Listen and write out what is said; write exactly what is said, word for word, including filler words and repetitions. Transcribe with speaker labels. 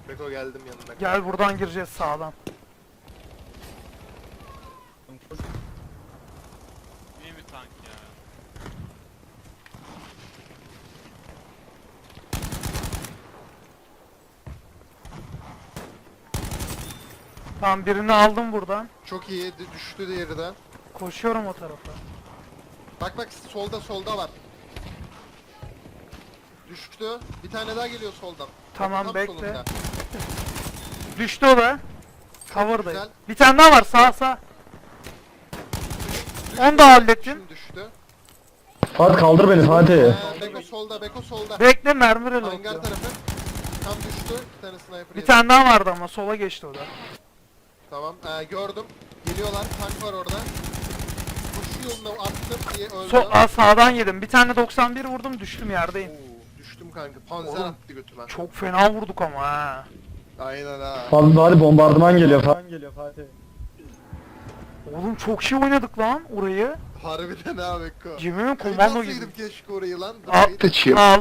Speaker 1: Beko geldim yanına.
Speaker 2: Gel buradan gireceğiz sağdan.
Speaker 3: İyi bir tank ya.
Speaker 2: Tamam birini aldım buradan.
Speaker 1: Çok iyi d- düştü diğeri de.
Speaker 2: Koşuyorum o tarafa.
Speaker 1: Bak bak solda solda var. Düştü. Bir tane daha geliyor soldan.
Speaker 2: Tamam,
Speaker 1: Tam
Speaker 2: bekle.
Speaker 1: solunda.
Speaker 2: Düştü o da. Cover'dayım.
Speaker 1: güzel.
Speaker 2: Bir tane daha var sağ sağ.
Speaker 1: Düştü.
Speaker 2: Onu da hallettim.
Speaker 1: Şimdi düştü.
Speaker 4: Fatih kaldır beni Fatih.
Speaker 1: Ee, Beko solda, Beko solda.
Speaker 2: Bekle mermi
Speaker 1: Hangar
Speaker 2: reloadluyorum.
Speaker 1: tarafı. Tam düştü. Bir tane sniper
Speaker 2: Bir
Speaker 1: yedi.
Speaker 2: tane daha vardı ama sola geçti o da.
Speaker 1: Tamam. Ee, gördüm. Geliyorlar. Tank var orada. Koşu yoluna attım diye öldü.
Speaker 2: So Aa, sağdan yedim. Bir tane doksan bir vurdum düştüm yerdeyim.
Speaker 1: Oo, düştüm kanka. Panzer
Speaker 2: Oğlum.
Speaker 1: attı götüme.
Speaker 2: Çok fena vurduk ama ha.
Speaker 1: Aynen ha.
Speaker 4: Fatih Fatih bombardıman geliyor Fatih.
Speaker 2: Oğlum çok şey oynadık lan orayı.
Speaker 1: Harbiden ha Beko.
Speaker 2: Yemin ederim komando gibi.
Speaker 1: Kaybolsaydım keşke orayı lan.
Speaker 2: Al,
Speaker 1: Dıpayı-
Speaker 2: al.